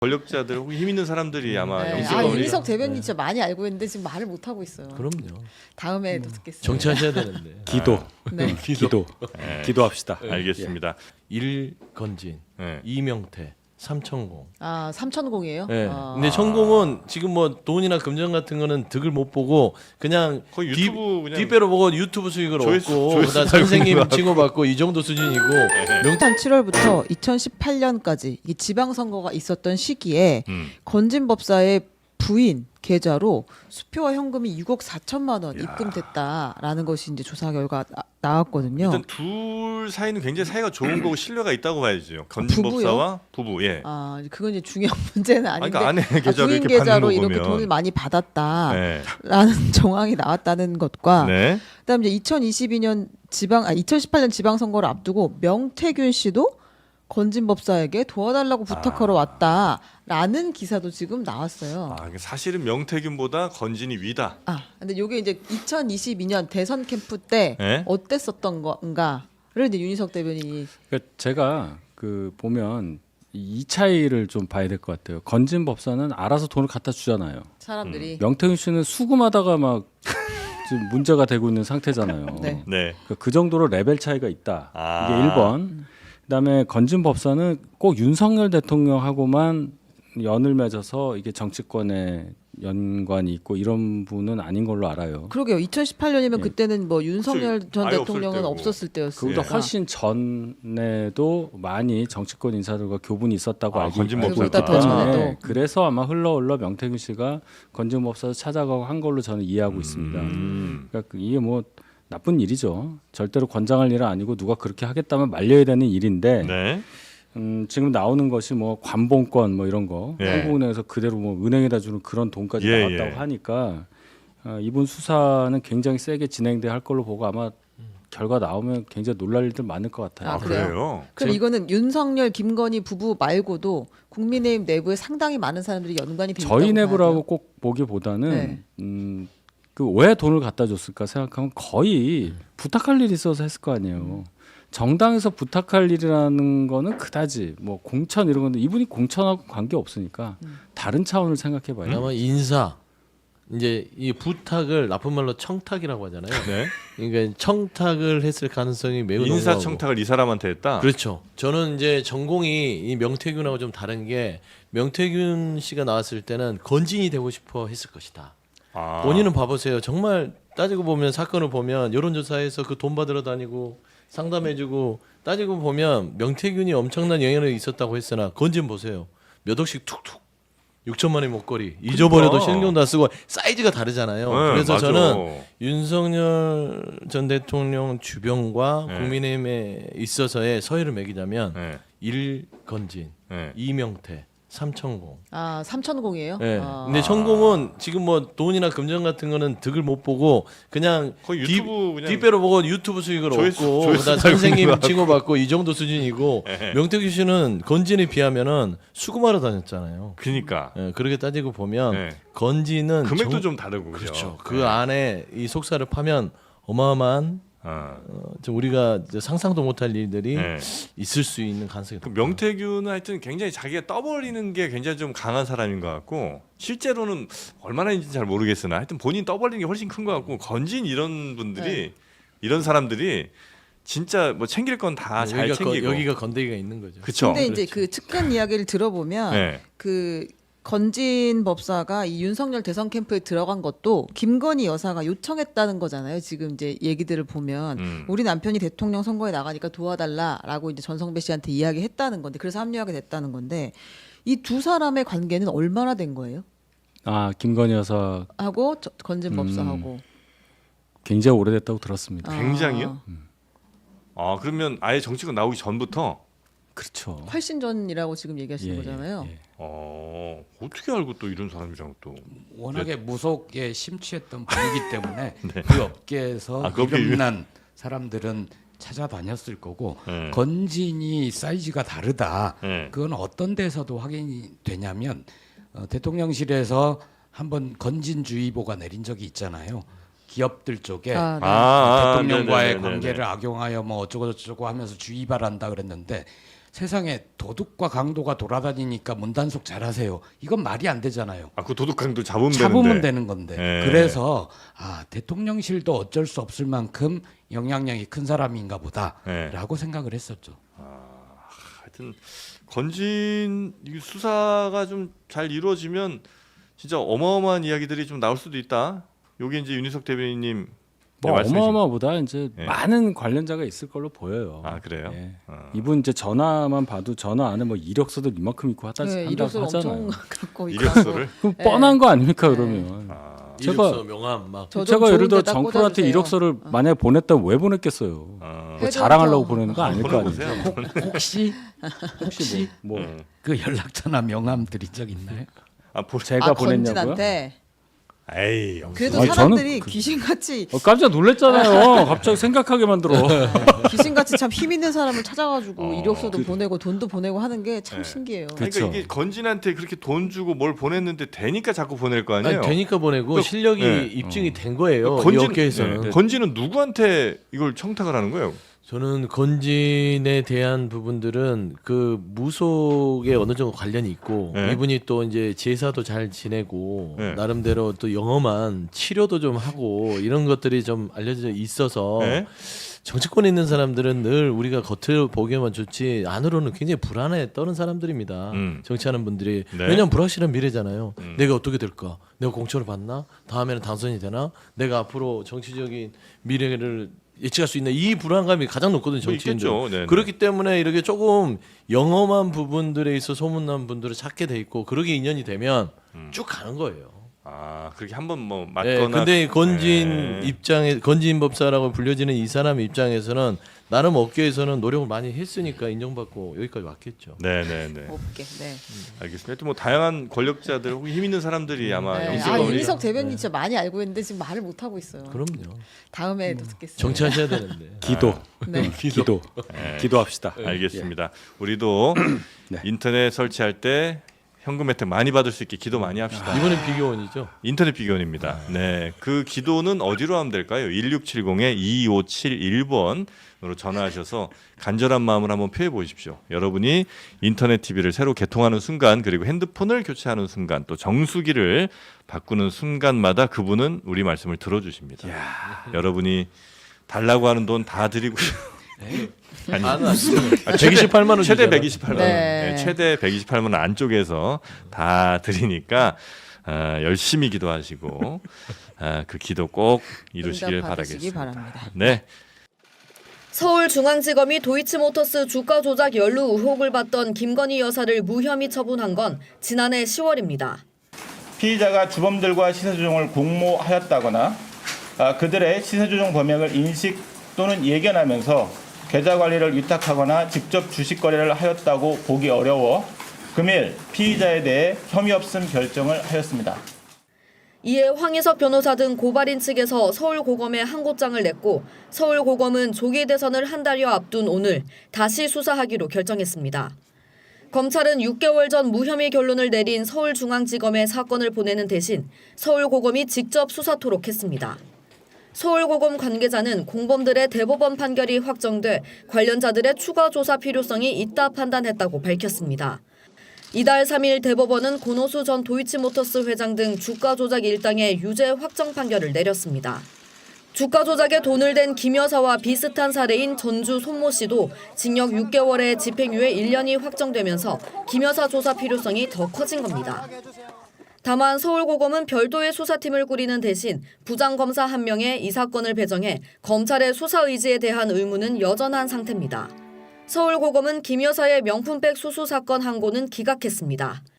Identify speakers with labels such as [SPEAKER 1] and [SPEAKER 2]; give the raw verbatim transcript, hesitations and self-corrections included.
[SPEAKER 1] 권력자들 혹은 힘 있는 사람들이 아마
[SPEAKER 2] 네.
[SPEAKER 1] 영수가
[SPEAKER 2] 아,
[SPEAKER 1] 우리가-
[SPEAKER 2] 윤희석 대변인
[SPEAKER 1] 네.
[SPEAKER 2] 진짜 많이 알고 있는데 지금 말을 못 하고 있어요.
[SPEAKER 3] 그럼요.
[SPEAKER 2] 다음에 또 듣겠습니다.
[SPEAKER 3] 정치하셔야 되는데.
[SPEAKER 4] 기도,
[SPEAKER 2] 네.
[SPEAKER 4] 기도,
[SPEAKER 1] 네.
[SPEAKER 4] 기도합시다.
[SPEAKER 1] 알겠습니다.
[SPEAKER 3] 일건진,
[SPEAKER 1] 네.
[SPEAKER 3] 이명태, 삼천공.
[SPEAKER 2] 아 삼천공이에요?
[SPEAKER 3] 네.
[SPEAKER 2] 아.
[SPEAKER 3] 근데 천공은 지금 뭐 돈이나 금전 같은 거는 득을 못 보고 그냥
[SPEAKER 1] 거의
[SPEAKER 3] 뒤-
[SPEAKER 1] 유튜브 그냥
[SPEAKER 3] 뒷배로 보고 유튜브 수익을
[SPEAKER 1] 조회수-
[SPEAKER 3] 얻고
[SPEAKER 1] 조회수
[SPEAKER 3] 그다음
[SPEAKER 1] 달고
[SPEAKER 3] 선생님
[SPEAKER 1] 있는 거
[SPEAKER 3] 칭호받고 이 정도 수준이고 명
[SPEAKER 2] 일단 칠월부터 이천십팔 년까지 이 지방선거가 있었던 시기에
[SPEAKER 1] 음.
[SPEAKER 2] 건진법사의 부인 계좌로 수표와 현금이 육억 사천만 원 입금됐다라는 것이 이제 조사 결과 나, 나왔거든요.
[SPEAKER 1] 일단 둘 사이는 굉장히 사이가 좋은 거고 신뢰가 있다고 봐야죠. 건진법사와 부부. 예.
[SPEAKER 2] 아 그건 이제 중요한 문제는 아닌데
[SPEAKER 1] 그러니까 아내
[SPEAKER 2] 아,
[SPEAKER 1] 계좌로
[SPEAKER 2] 부인
[SPEAKER 1] 이렇게 받는
[SPEAKER 2] 계좌로
[SPEAKER 1] 거
[SPEAKER 2] 이렇게
[SPEAKER 1] 보면.
[SPEAKER 2] 돈을 많이 받았다라는
[SPEAKER 1] 네.
[SPEAKER 2] 정황이 나왔다는 것과
[SPEAKER 1] 네.
[SPEAKER 2] 그다음 이제 이천이십이 년 지방 아 이천십팔 년 지방선거를 앞두고 명태균 씨도 건진법사에게 도와달라고 부탁하러 왔다라는 기사도 지금 나왔어요.
[SPEAKER 1] 아, 사실은 명태균보다 건진이 위다.
[SPEAKER 2] 아, 근데 요게 이제 이천이십이 년 대선 캠프 때
[SPEAKER 1] 네?
[SPEAKER 2] 어땠었던 건가를 이제 윤희석 대변인이
[SPEAKER 4] 그러니까 제가 그 보면 이 차이를 좀 봐야 될 것 같아요. 건진 법사는 알아서 돈을 갖다 주잖아요.
[SPEAKER 2] 사람들이
[SPEAKER 4] 명태균 씨는 수금하다가 막 지금 문제가 되고 있는 상태잖아요.
[SPEAKER 2] 네.
[SPEAKER 1] 네.
[SPEAKER 4] 그러니까 그 정도로 레벨 차이가 있다.
[SPEAKER 1] 아.
[SPEAKER 4] 이게 일 번. 그다음에 건진 법사는 꼭 윤석열 대통령하고만 연을 맺어서 이게 정치권에 연관이 있고 이런 분은 아닌 걸로 알아요.
[SPEAKER 2] 그러게요. 이천십팔 년이면
[SPEAKER 4] 예.
[SPEAKER 2] 그때는 뭐 윤석열
[SPEAKER 1] 그치.
[SPEAKER 2] 전
[SPEAKER 1] 아예
[SPEAKER 2] 대통령은
[SPEAKER 1] 없을
[SPEAKER 2] 없었을 때였어요.
[SPEAKER 4] 그보다 훨씬 전에도 많이 정치권 인사들과 교분이 있었다고
[SPEAKER 1] 아,
[SPEAKER 4] 알고
[SPEAKER 1] 건진
[SPEAKER 4] 알고
[SPEAKER 1] 법사가.
[SPEAKER 4] 있기
[SPEAKER 2] 더
[SPEAKER 4] 때문에
[SPEAKER 2] 전에도.
[SPEAKER 4] 그래서 아마 흘러 흘러 명태균 씨가 건진 법사를 찾아가고 한 걸로 저는 이해하고 있습니다.
[SPEAKER 1] 음.
[SPEAKER 4] 그러니까 이게 뭐 나쁜 일이죠. 절대로 권장할 일은 아니고 누가 그렇게 하겠다면 말려야 되는 일인데
[SPEAKER 1] 네.
[SPEAKER 4] 음, 지금 나오는 것이 뭐 관봉권 뭐 이런 거
[SPEAKER 1] 예.
[SPEAKER 4] 한국은행에서 그대로 뭐 은행에다 주는 그런 돈까지
[SPEAKER 1] 예,
[SPEAKER 4] 나왔다고
[SPEAKER 1] 예.
[SPEAKER 4] 하니까 어, 이분 수사는 굉장히 세게 진행돼야 할 걸로 보고 아마 결과 나오면 굉장히 놀랄 일들 많을 것 같아요.
[SPEAKER 1] 아,
[SPEAKER 2] 아, 그래요?
[SPEAKER 1] 그래요?
[SPEAKER 2] 그럼 이거는 윤석열, 김건희 부부 말고도 국민의힘 내부에 상당히 많은 사람들이 연관이 돼 있다고
[SPEAKER 4] 저희
[SPEAKER 2] 봐야
[SPEAKER 4] 내부라고
[SPEAKER 2] 돼요?
[SPEAKER 4] 꼭 보기보다는
[SPEAKER 2] 네.
[SPEAKER 4] 음, 그 왜 돈을 갖다 줬을까 생각하면 거의 부탁할 일이 있어서 했을 거 아니에요. 정당에서 부탁할 일이라는 거는 그다지 뭐 공천 이런 건데 이분이 공천하고 관계 없으니까 다른 차원을 생각해봐요.
[SPEAKER 3] 아마 인사 이제 이 부탁을 나쁜 말로 청탁이라고 하잖아요.
[SPEAKER 1] 네.
[SPEAKER 3] 그러니까 청탁을 했을 가능성이 매우 높고
[SPEAKER 1] 인사청탁을 이 사람한테 했다.
[SPEAKER 3] 그렇죠. 저는 이제 전공이 이 명태균하고 좀 다른 게 명태균 씨가 나왔을 때는 건진이 되고 싶어 했을 것이다.
[SPEAKER 1] 아.
[SPEAKER 3] 본인은 봐보세요. 정말 따지고 보면 사건을 보면 여론조사에서 그 돈 받으러 다니고 상담해주고 따지고 보면 명태균이 엄청난 영향력이 있었다고 했으나 건진 보세요. 몇 억씩 툭툭 육천만 원의 목걸이 잊어버려도
[SPEAKER 1] 그러니까.
[SPEAKER 3] 신경 다 쓰고 사이즈가 다르잖아요.
[SPEAKER 1] 네,
[SPEAKER 3] 그래서
[SPEAKER 1] 맞아.
[SPEAKER 3] 저는 윤석열 전 대통령 주변과
[SPEAKER 1] 네.
[SPEAKER 3] 국민의힘에 있어서의 서열을 매기자면
[SPEAKER 1] 네.
[SPEAKER 3] 일건진,
[SPEAKER 1] 네.
[SPEAKER 3] 이명태, 삼천공.
[SPEAKER 2] 아 삼천공이에요?
[SPEAKER 3] 네.
[SPEAKER 2] 아.
[SPEAKER 3] 근데 천공은 지금 뭐 돈이나 금전 같은 거는 득을 못 보고 그냥
[SPEAKER 1] 거의
[SPEAKER 3] 뒤-
[SPEAKER 1] 유튜브 그냥
[SPEAKER 3] 뒷배로 보고 유튜브 수익을
[SPEAKER 1] 조회수-
[SPEAKER 3] 얻고
[SPEAKER 1] 조회수
[SPEAKER 3] 그다음
[SPEAKER 1] 달고
[SPEAKER 3] 선생님
[SPEAKER 1] 있는 거
[SPEAKER 3] 칭호받고 이 정도 수준이고
[SPEAKER 1] 네.
[SPEAKER 3] 명태균 씨는 건진에 비하면은 수금하러 다녔잖아요.
[SPEAKER 1] 그러니까
[SPEAKER 3] 예, 그렇게 따지고 보면
[SPEAKER 1] 네.
[SPEAKER 3] 건진은
[SPEAKER 1] 금액도
[SPEAKER 3] 정-
[SPEAKER 1] 좀 다르고
[SPEAKER 3] 그렇죠.
[SPEAKER 1] 그죠?
[SPEAKER 3] 그
[SPEAKER 1] 네.
[SPEAKER 3] 안에 이 속사를 파면 어마어마한
[SPEAKER 1] 아.
[SPEAKER 3] 어, 좀 우리가 이제 상상도 못할 일들이
[SPEAKER 1] 네.
[SPEAKER 3] 있을 수 있는 가능성이
[SPEAKER 1] 그
[SPEAKER 3] 높다.
[SPEAKER 1] 명태균은 하여튼 굉장히 자기가 떠벌리는 게 굉장히 좀 강한 사람인 것 같고 실제로는 얼마나인지 잘 모르겠으나 하여튼 본인 떠벌리는 게 훨씬 큰 것 같고 건진 이런 분들이
[SPEAKER 2] 네.
[SPEAKER 1] 이런 사람들이 진짜 뭐 챙길 건 다 잘
[SPEAKER 3] 여기가,
[SPEAKER 1] 챙기고
[SPEAKER 3] 거, 여기가 건데기가 있는 거죠.
[SPEAKER 1] 그쵸?
[SPEAKER 2] 근데 이제
[SPEAKER 3] 그렇죠.
[SPEAKER 2] 그 측근 이야기를 들어보면
[SPEAKER 1] 네.
[SPEAKER 2] 그 건진 법사가 이 윤석열 대선 캠프에 들어간 것도 김건희 여사가 요청했다는 거잖아요. 지금 이제 얘기들을 보면
[SPEAKER 1] 음.
[SPEAKER 2] 우리 남편이 대통령 선거에 나가니까 도와달라라고 이제 전성배 씨한테 이야기했다는 건데 그래서 합류하게 됐다는 건데 이 두 사람의 관계는 얼마나 된 거예요?
[SPEAKER 4] 아 김건희 여사
[SPEAKER 2] 하고 저- 건진
[SPEAKER 4] 음.
[SPEAKER 2] 법사하고
[SPEAKER 4] 굉장히 오래됐다고 들었습니다.
[SPEAKER 2] 아,
[SPEAKER 1] 굉장히요? 아 그러면 아예 정치권 나오기 전부터
[SPEAKER 4] 그렇죠.
[SPEAKER 2] 훨씬 전이라고 지금 얘기하시는
[SPEAKER 4] 예,
[SPEAKER 2] 거잖아요.
[SPEAKER 4] 예.
[SPEAKER 1] 어 어떻게 알고 또 이런 사람이랑 또
[SPEAKER 5] 워낙에 무속에 심취했던 분이기 때문에
[SPEAKER 1] 네.
[SPEAKER 5] 그 업계에서
[SPEAKER 1] 아, 그 업계
[SPEAKER 5] 이름난 사람들은 찾아다녔을 거고
[SPEAKER 1] 네.
[SPEAKER 5] 건진이 사이즈가 다르다.
[SPEAKER 1] 네.
[SPEAKER 5] 그건 어떤 데서도 확인이 되냐면 어, 대통령실에서 한번 건진주의보가 내린 적이 있잖아요. 기업들 쪽에
[SPEAKER 2] 아, 네.
[SPEAKER 1] 아, 아,
[SPEAKER 5] 대통령과의
[SPEAKER 1] 네네네네네.
[SPEAKER 5] 관계를 악용하여 뭐 어쩌고 저쩌고 하면서 주의 바란다 그랬는데 세상에 도둑과 강도가 돌아다니니까 문단속 잘하세요. 이건 말이 안 되잖아요.
[SPEAKER 1] 아, 그 도둑강도 잡으면
[SPEAKER 5] 잡으면
[SPEAKER 1] 되는데.
[SPEAKER 5] 되는 건데.
[SPEAKER 1] 예.
[SPEAKER 5] 그래서 아 대통령실도 어쩔 수 없을 만큼 영향력이 큰 사람인가
[SPEAKER 1] 예.
[SPEAKER 5] 보다라고 생각을 했었죠.
[SPEAKER 1] 하여튼 건진 이 수사가 좀 잘 이루어지면 진짜 어마어마한 이야기들이 좀 나올 수도 있다. 요게 이제 윤희석 대변인님
[SPEAKER 4] 뭐
[SPEAKER 1] 말씀이신-
[SPEAKER 4] 어마어마보다 이제
[SPEAKER 1] 예.
[SPEAKER 4] 많은 관련자가 있을 걸로 보여요.
[SPEAKER 1] 아, 그래요?
[SPEAKER 4] 예.
[SPEAKER 1] 어.
[SPEAKER 4] 이분 이제 전화만 봐도 전화 안에 뭐 이력서들 이만큼 있고 하다
[SPEAKER 2] 네,
[SPEAKER 4] 한다고
[SPEAKER 2] 이력서를
[SPEAKER 4] 하잖아요.
[SPEAKER 2] 엄청 갖고 있고.
[SPEAKER 1] 이력서를
[SPEAKER 4] 그럼
[SPEAKER 2] 네.
[SPEAKER 4] 뻔한 거 아닙니까
[SPEAKER 2] 네.
[SPEAKER 4] 그러면?
[SPEAKER 1] 아,
[SPEAKER 4] 제가-
[SPEAKER 3] 이력서 명함 막
[SPEAKER 2] 저 좀
[SPEAKER 4] 제가 예를 들어
[SPEAKER 2] 좋은 데다
[SPEAKER 4] 정프로한테
[SPEAKER 2] 꽂아주세요.
[SPEAKER 4] 이력서를 만약에 보냈다면 왜 보냈겠어요?
[SPEAKER 1] 어.
[SPEAKER 4] 그거
[SPEAKER 2] 해줬죠.
[SPEAKER 4] 자랑하려고 보내는 거 아닐 거 아니에요.
[SPEAKER 1] 보내보세요.
[SPEAKER 5] 혹시
[SPEAKER 4] 혹시 뭐, 뭐
[SPEAKER 1] 음.
[SPEAKER 5] 그 연락처나 명함 드린 적 있나요?
[SPEAKER 1] 아, 보...
[SPEAKER 4] 제가
[SPEAKER 2] 아,
[SPEAKER 4] 보냈냐고요?
[SPEAKER 2] 건진한테.
[SPEAKER 1] 에이,
[SPEAKER 2] 그래도
[SPEAKER 4] 아니, 저는
[SPEAKER 2] 사람들이
[SPEAKER 4] 그-
[SPEAKER 2] 귀신같이
[SPEAKER 4] 어, 깜짝 놀랐잖아요. 갑자기 생각하게 만들어.
[SPEAKER 2] 귀신같이 참 힘 있는 사람을 찾아가지고
[SPEAKER 1] 어,
[SPEAKER 2] 이력서도
[SPEAKER 4] 그-
[SPEAKER 2] 보내고 돈도 보내고 하는 게 참
[SPEAKER 1] 네.
[SPEAKER 2] 신기해요.
[SPEAKER 1] 그러니까
[SPEAKER 4] 그쵸.
[SPEAKER 1] 이게 건진한테 그렇게 돈 주고 뭘 보냈는데 되니까 자꾸 보낼 거 아니에요.
[SPEAKER 3] 아니, 되니까 보내고
[SPEAKER 1] 그-
[SPEAKER 3] 실력이
[SPEAKER 1] 네.
[SPEAKER 3] 입증이 된 거예요. 이
[SPEAKER 1] 건진,
[SPEAKER 3] 업계에서는.
[SPEAKER 1] 네. 건진은 누구한테 이걸 청탁을 하는 거예요?
[SPEAKER 3] 저는 건진에 대한 부분들은 그 무속에 어느 정도 관련이 있고
[SPEAKER 1] 네.
[SPEAKER 3] 이분이 또 이제 제사도 잘 지내고
[SPEAKER 1] 네.
[SPEAKER 3] 나름대로 또 영험한 치료도 좀 하고 이런 것들이 좀 알려져 있어서
[SPEAKER 1] 네?
[SPEAKER 3] 정치권에 있는 사람들은 늘 우리가 겉을 보기에만 좋지 안으로는 굉장히 불안해 떠는 사람들입니다.
[SPEAKER 1] 음.
[SPEAKER 3] 정치하는 분들이
[SPEAKER 1] 네.
[SPEAKER 3] 왜냐하면 불확실한 미래잖아요.
[SPEAKER 1] 음.
[SPEAKER 3] 내가 어떻게 될까? 내가 공천을 받나? 다음에는 당선이 되나? 내가 앞으로 정치적인 미래를 예측할 수 있는 이 불안감이 가장 높거든요.
[SPEAKER 1] 뭐
[SPEAKER 3] 정치인들.
[SPEAKER 1] 있겠죠. 네네.
[SPEAKER 3] 그렇기 때문에 이렇게 조금 영험한 부분들에 있어 소문난 분들을 찾게 돼 있고 그러게 인연이 되면
[SPEAKER 1] 음.
[SPEAKER 3] 쭉 가는 거예요.
[SPEAKER 1] 아, 그렇게 한번 뭐
[SPEAKER 3] 네,
[SPEAKER 1] 맞거나.
[SPEAKER 3] 근데 건진
[SPEAKER 1] 네.
[SPEAKER 3] 입장에 건진 법사라고 불려지는 이 사람 입장에서는 나름 업계에서는 노력을 많이 했으니까 인정받고 여기까지 왔겠죠.
[SPEAKER 1] 네, 네, 네.
[SPEAKER 2] 없게. 네.
[SPEAKER 1] 알겠습니다. 하여튼 뭐 다양한 권력자들 혹은 힘 있는 사람들이 아마
[SPEAKER 2] 네.
[SPEAKER 1] 영수가
[SPEAKER 2] 아
[SPEAKER 1] 우리-
[SPEAKER 2] 윤희석 대변인 진짜 많이 알고 있는데 지금 말을 못 하고 있어요.
[SPEAKER 3] 그럼요.
[SPEAKER 2] 다음에 또 듣겠습니다.
[SPEAKER 3] 정치하셔야 되는데.
[SPEAKER 4] 기도,
[SPEAKER 2] 네.
[SPEAKER 4] 기도,
[SPEAKER 1] 네.
[SPEAKER 4] 기도합시다.
[SPEAKER 1] 알겠습니다. 우리도
[SPEAKER 4] 네.
[SPEAKER 1] 인터넷 설치할 때 현금 혜택 많이 받을 수 있게 기도 많이 합시다.
[SPEAKER 3] 이번엔 비교원이죠.
[SPEAKER 1] 인터넷 비견입니다. 네, 그 기도는 어디로 하면 될까요? 일육칠공 이오칠일 번으로 전화하셔서 간절한 마음을 한번 표해 보십시오. 여러분이 인터넷 티비를 새로 개통하는 순간 그리고 핸드폰을 교체하는 순간 또 정수기를 바꾸는 순간마다 그분은 우리 말씀을 들어주십니다. 여러분이 달라고 하는 돈 다 드리고 아니,
[SPEAKER 3] 아, 백이십팔만 원
[SPEAKER 1] 최대
[SPEAKER 3] 주잖아.
[SPEAKER 1] 백이십팔만 원,
[SPEAKER 2] 네.
[SPEAKER 1] 네, 최대 백이십팔만 원 안쪽에서 다 드리니까 아, 열심히 기도하시고 아, 그 기도 꼭 이루시길
[SPEAKER 2] 응답 받으시기
[SPEAKER 1] 바라겠습니다.
[SPEAKER 2] 바랍니다.
[SPEAKER 1] 네,
[SPEAKER 6] 서울중앙지검이 도이치모터스 주가 조작 연루 의혹을 받던 김건희 여사를 무혐의 처분한 건 지난해 시월입니다.
[SPEAKER 7] 피의자가 주범들과 시세 조정을 공모하였다거나 아, 그들의 시세 조정 범행을 인식 또는 예견하면서 계좌 관리를 위탁하거나 직접 주식 거래를 하였다고 보기 어려워 금일 피의자에 대해 혐의 없음 결정을 하였습니다.
[SPEAKER 6] 이에 황희석 변호사 등 고발인 측에서 서울고검에 항고장을 냈고 서울고검은 조기 대선을 한 달여 앞둔 오늘 다시 수사하기로 결정했습니다. 검찰은 육 개월 전 무혐의 결론을 내린 서울중앙지검에 사건을 보내는 대신 서울고검이 직접 수사토록 했습니다. 서울고검 관계자는 공범들의 대법원 판결이 확정돼 관련자들의 추가 조사 필요성이 있다 판단했다고 밝혔습니다. 이달 삼 일 대법원은 권오수 전 도이치모터스 회장 등 주가 조작 일당의 유죄 확정 판결을 내렸습니다. 주가 조작에 돈을 댄 김 여사와 비슷한 사례인 전주 손모 씨도 징역 육 개월에 집행유예 일 년이 확정되면서 김 여사 조사 필요성이 더 커진 겁니다. 다만 서울고검은 별도의 수사팀을 꾸리는 대신 부장검사 한 명에 이 사건을 배정해 검찰의 수사 의지에 대한 의무는 여전한 상태입니다. 서울고검은 김 여사의 명품백 수수 사건 항고는 기각했습니다.